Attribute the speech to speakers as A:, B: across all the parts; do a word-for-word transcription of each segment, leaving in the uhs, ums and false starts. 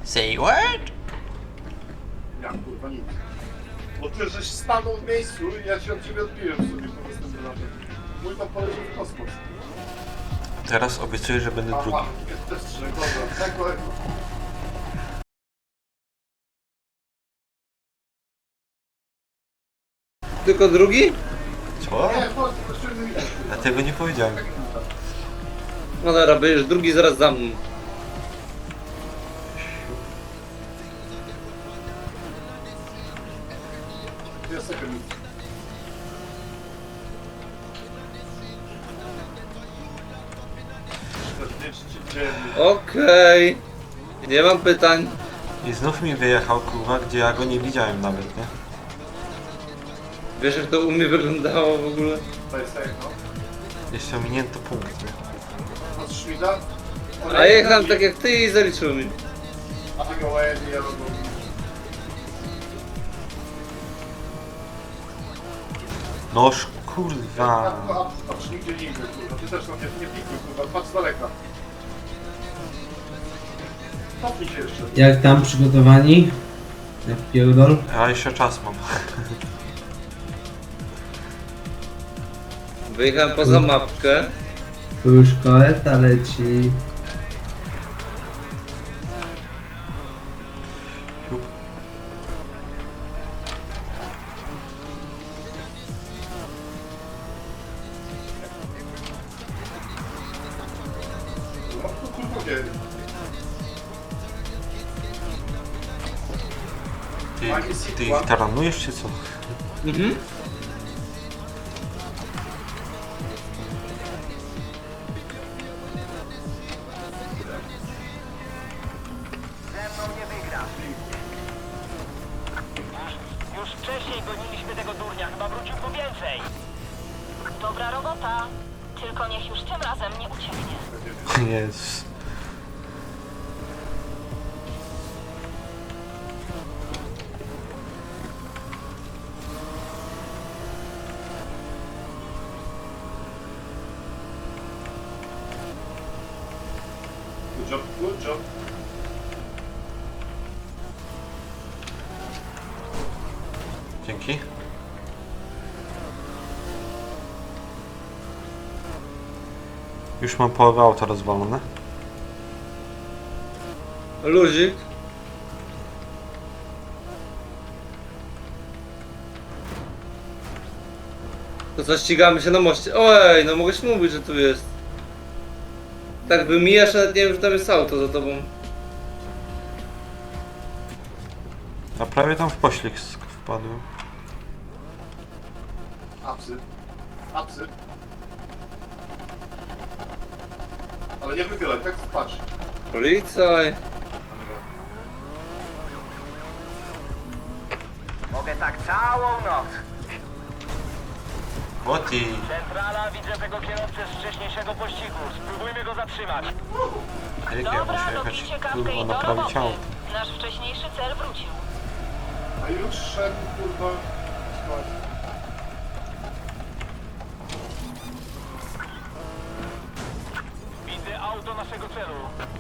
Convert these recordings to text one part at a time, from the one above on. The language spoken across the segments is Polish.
A: Say what?
B: Ja kurwa nic. Bo ty żeś stanął w miejscu i ja się od ciebie odbiłem sobie po następnym razem. Mój tam poleciał w kosmos.
A: Teraz obiecuję, że będę drugi.
B: Aha, jest też trzy, dobra, tak kolego.
C: Tylko drugi?
A: Co?
B: Nie, chodź, to się nie
A: Ja tego nie powiedziałem.
C: No dobra, będziesz drugi zaraz za mną.
B: Dwie sekundy. czterdzieści dziewięć.
C: Okej. Nie mam pytań.
A: I znów mi wyjechał, kurwa, gdzie ja go nie widziałem nawet, nie?
C: Wiesz jak to u mnie wyglądało w ogóle?
B: To jest tak, no.
A: Jeszcze ominięto punkt, nie?
B: Od Szmida.
C: A jechałem tak jak ty i zaliczył mi.
B: A ty go ładnie, ja robię.
A: Noż, kurwa.
B: Patrz, nigdzie nie idę, kurwa. Ty też tam nie, nie pikuj, kurwa. Patrz z daleka. Cofnij się jeszcze.
D: Jak tam przygotowani? Jak pierdol?
A: Ja jeszcze czas mam.
C: Wyjechałem poza mapkę.
D: Tu już koleta leci.
A: Siup.
B: No, to kurwa wie.
A: Ty, ty ich taranujesz, czy co?
C: Mhm.
E: Ze mną nie wygrasz. Już, już wcześniej goniliśmy tego durnia, chyba wrócił po więcej.
F: Dobra robota. Tylko niech już tym razem nie ucieknie.
A: Jezus.
B: Good job, good job.
A: Dzięki. Już mam połowę auta rozwalone.
C: Luzik. To co, ścigamy się na moście. Ojej, no mogłeś mówić, że tu jest. Tak wymijasz, nawet nie wiem, że tam jest auto za tobą.
A: A prawie tam w poślizg wpadłem.
B: Apsy. Apsy. Ale nie wychylaj, tak patrz.
C: Policaj.
E: Mogę tak całą noc.
A: O ty!
E: Centrala, widzę tego kierowcę z wcześniejszego pościgu. Spróbujmy go zatrzymać.
A: Jak ja muszę
F: Dobra,
A: jechać,
F: dobijcie kawkę
A: kurwa,
F: i do
A: naprawić
F: roboty.
A: auto.
F: Nasz wcześniejszy cel wrócił.
B: A już szedł, kurwa. spać.
E: Widzę auto naszego celu.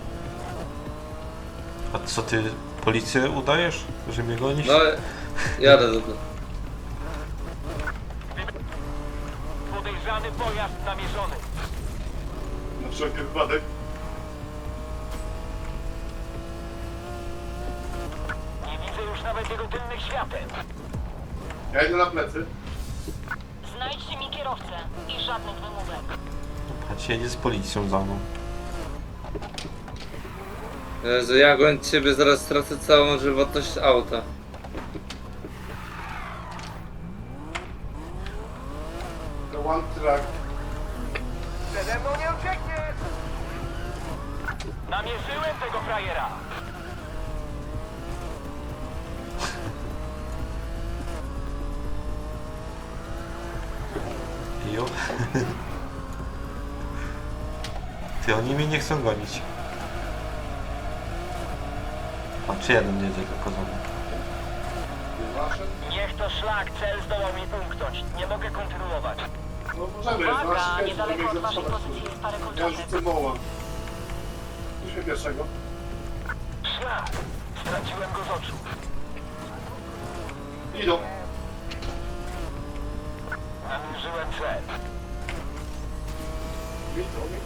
A: A co ty, policję udajesz, że mnie gonisz?
C: No, jadę za to.
E: Podejrzany pojazd namierzony.
B: Na wszelki wypadek.
E: Nie widzę już nawet jego tylnych świateł.
B: Ja idę na plecy.
F: Znajdźcie mi kierowcę i żadnych wymówek.
A: Patrz, jedzie z policją za mną.
C: Jezu, ja goń ciebie, zaraz stracę całą żywotność auta.
B: The one track.
E: Przede mną nie uciekniesz! Namierzyłem tego frajera.
A: Jo. Ty, oni mnie nie chcą gonić. A czy jeden jedzie tylko za mną?
B: Wasze?
E: Niech to szlak, cel zdołał mi umknąć. Nie mogę kontynuować.
B: No możemy,
F: Uwaga,
B: nasz
F: niedaleko od waszej pozycji jest parę
B: Ja
F: kolczatek.
B: rzucę moła. Puśćmy pierwszego.
E: Szlak! Straciłem go z oczu.
B: Idą.
E: Namierzyłem cel.
B: Idą, idą.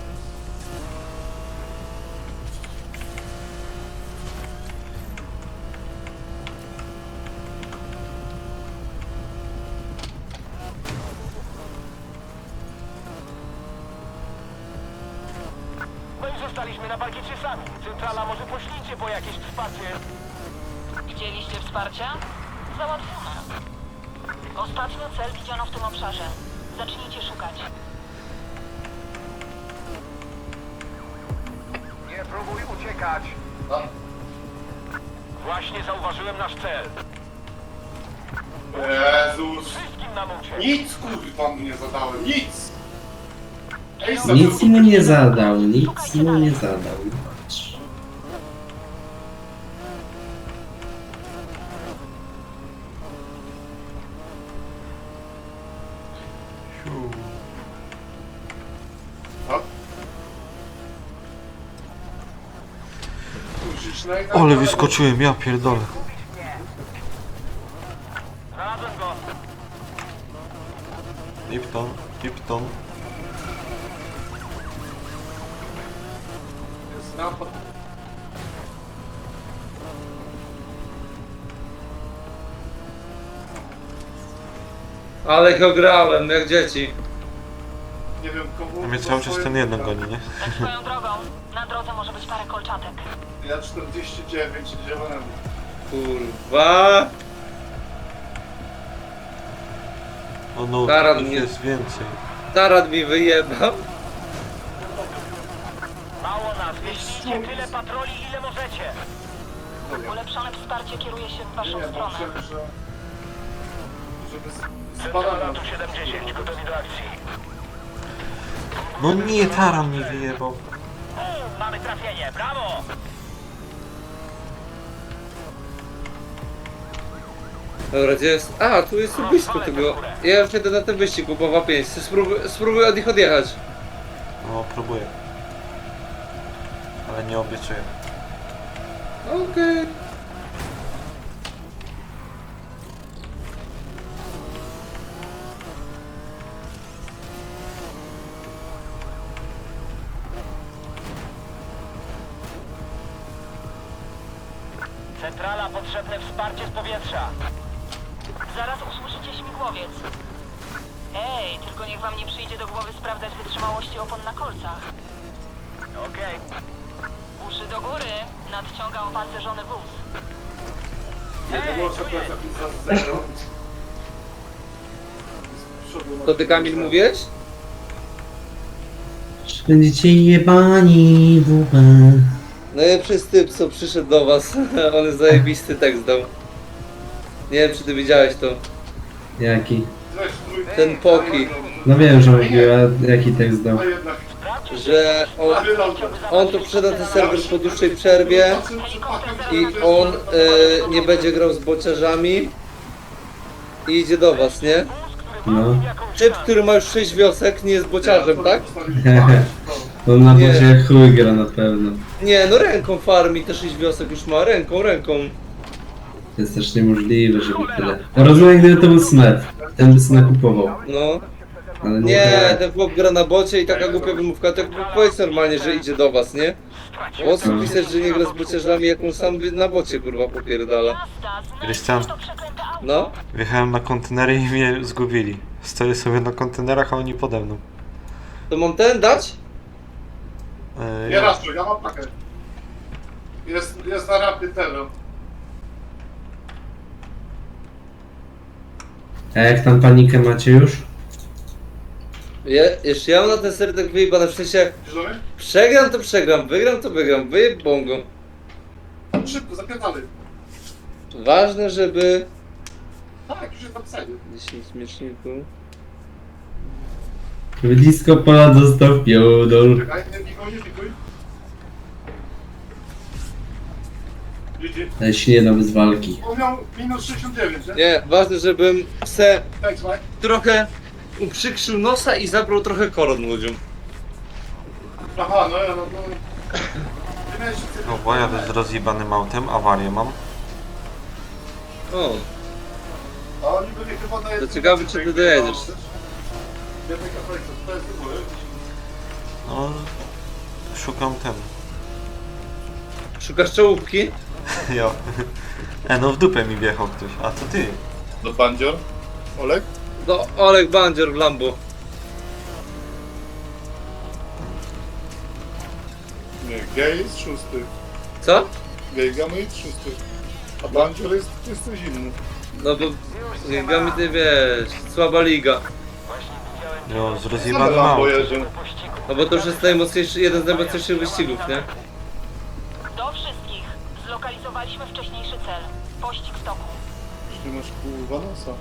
E: No i zostaliśmy na parkiecie sami. Centrala, może poślijcie po jakieś wsparcie.
F: Chcieliście wsparcia? Załatwione. Ostatnio cel widziano w tym obszarze. Zacznijcie szukać.
E: Nie próbuj uciekać.
B: Tam.
E: Właśnie zauważyłem nasz cel.
B: Jezus.
E: Wszystkim nam uciekł.
B: Nic kurwa mu nie zadałem, nic! Ej,
D: Nic mu nie zadał, nic mu nie zadał. Patrz.
A: Siu.
B: Co? Musisz na
A: Ale wyskoczyłem, ja pierdolę.
E: Znalazłem go.
A: Lipton, Lipton.
B: Jest napad.
C: Ale go grałem, jak dzieci.
B: Nie wiem komu...
A: A mnie cały czas ten jeden goni, nie?
F: Tak swoją drogą. Na drodze może być parę kolczatek.
B: Ja czterdzieści dziewięć zielonemu.
C: Kurwa.
A: O no,
C: Taran
A: ich
C: mnie-
A: jest więcej.
C: Tarat mi wyjebał.
E: Mało nas. Wyślijcie tyle patroli, ile możecie.
F: Ulepszone wsparcie kieruje się w waszą
B: Nie,
F: stronę.
B: myślę, że... Żeby z-
E: Centrala
B: spadać
E: tu siedemdziesiąt, gotowi do akcji.
A: No nie, taran mi wyjebał.
E: U, mamy trafienie, brawo!
C: Dobra, gdzie jest? A, tu jest tu blisko tego. Ja już jedę na ten wyścig, Kubowa pięć. Spróbuj, spróbuj od nich odjechać.
A: No, próbuję. Ale nie obiecuję.
C: Okej.
E: Centrala, potrzebne wsparcie z powietrza.
F: Zaraz usłyszycie śmigłowiec. Ej, tylko niech wam nie przyjdzie do głowy sprawdzać wytrzymałości opon na kolcach.
E: Okej.
F: Uszy do góry. Nadciąga opancerzony wóz.
B: Nie było sobie za zero. Z przodu
C: To ty, Kamil, mówisz?
D: Czy będziecie jebani w łbę?
C: Najlepszy typ, co przyszedł do was. On jest zajebisty tekst dał. Nie wiem, czy ty widziałeś to.
D: Jaki?
B: Weź mój...
C: Ten Poki.
D: No wiem, że mówił, a jaki tekst dał.
B: A jednak...
C: Że on,
B: Wylał to.
C: on tu przyszedł na ten serwer po dłuższej przerwie i on e, nie będzie grał z bociarzami i idzie do was, nie?
D: No.
C: Typ, który ma już sześć wiosek, nie jest bociarzem, tak?
D: To na
C: Nie.
D: bocie jak chuj gra na pewno.
C: Nie, no ręką farmi te sześć wiosek już ma, ręką, ręką.
D: To jest też niemożliwe, żeby tyle. Ja rozumiem, gdyby to był snet. Ten by sobie kupował.
C: No.
D: Ale nie,
C: Nie,
D: tak.
C: ten chłop gra na bocie i taka głupia wymówka, to powiedz normalnie, że idzie do was, nie? Po co pisać, że nie gra z bociarzami, jak on sam na bocie kurwa popierdala.
F: Jazda,
A: Krystian.
F: znajdź to przeklęte auto.
C: No,
A: Wjechałem na kontenery i mnie zgubili. Stoję sobie na kontenerach, a oni pode mną.
C: to mam ten dać?
A: Eee,
B: Nie raszuj, ja mam pakę. Jest, jest na rampie terror.
D: A jak tam panikę macie już?
C: Je, jeszcze ja mam na ten ser tak wyjebane, w sensie
B: Bierzemy?
C: przegram to przegram, wygram to wygram, wyjeb bongo.
B: Szybko, zapierdalaj.
C: Ważne, żeby...
B: Tak, już jest napisane.
C: dziesięć mieczników...
D: Blisko pola dostał piodol.
B: Czekaj, nie pikuj, nie pikuj. Widzi?
D: Ale się nie da bez walki.
B: On miał minus sześćdziesiąt dziewięć, nie?
C: Nie, ważne, żebym se
B: Thanks, Mike.
C: trochę uprzykrzył nosa i zabrał trochę koron ludziom.
B: Aha, no ja, no, no. Nie jeździć sobie...
A: No bo jadę z rozjebanym autem, awarię mam.
C: O,
B: A oni byli chyba na jednym...
C: To ciekawe, czy ty dojedziesz.
B: Jednej kafelce, to jest w ogóle.
A: No, szukam ten.
C: szukasz czołówki?
A: Jo. E, no w dupę mi wjechał ktoś, a to ty.
B: Do bandzior? Olek?
C: No, Olek Bandzior w Lambo.
B: Nie, gej jest szósty.
C: Co?
B: Gej gamy jest szósty. A bandzior jest, to jest coś inny.
C: No bo ligami ty wiesz, słaba liga.
A: Jo, z
B: Same
A: rozjebanym
B: Lambo
A: autem.
B: jeżdżą.
C: No bo to już jest najmocniejszy, jeden z najmocniejszych wyścigów, nie?
F: Do wszystkich. Zlokalizowaliśmy wcześniejszy cel. Pościg w toku.
B: Już nie masz kurwa nosa.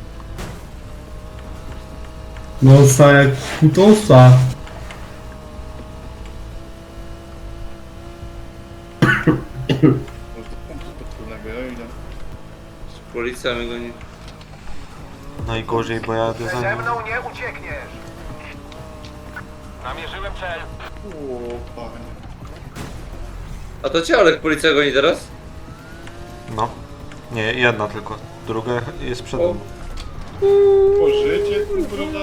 D: Nosa jak kutosa.
B: Może do punktu podpólnego, ja idę.
C: Policja mnie goni.
A: Najgorzej, bo jadę za nim.
E: nie uciekniesz! Namierzyłem cel.
B: O, panie.
C: A to cię Olek policja goni teraz?
A: No. Nie, jedna tylko. Druga jest przed
C: O.
A: mną.
B: Po życie, kurwa.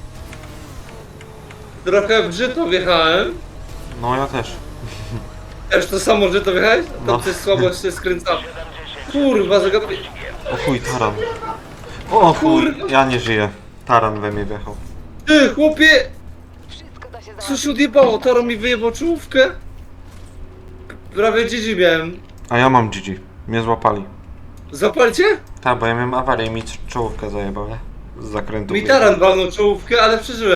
C: Trochę w żyto wjechałem.
A: No ja też.
C: Też to samo żyto wjechałeś? Tam
A: No.
C: coś słabo się skręca. Kurwa, zagapię.
A: O chuj, taran. O chuj, ja nie żyję. Taran we mnie wjechał.
C: Ty, chłopie! Co się odjebało? Taro mi wyjebał czołówkę. Prawie G G miałem.
A: A ja mam G G. Mnie złapali.
C: Zapalcie?
A: Tak, bo ja miałem awarię i mi czołówkę zajebał, nie? Z zakrętu.
C: Mi
A: wyjechał.
C: taran walnął czołówkę, ale przeżyłem.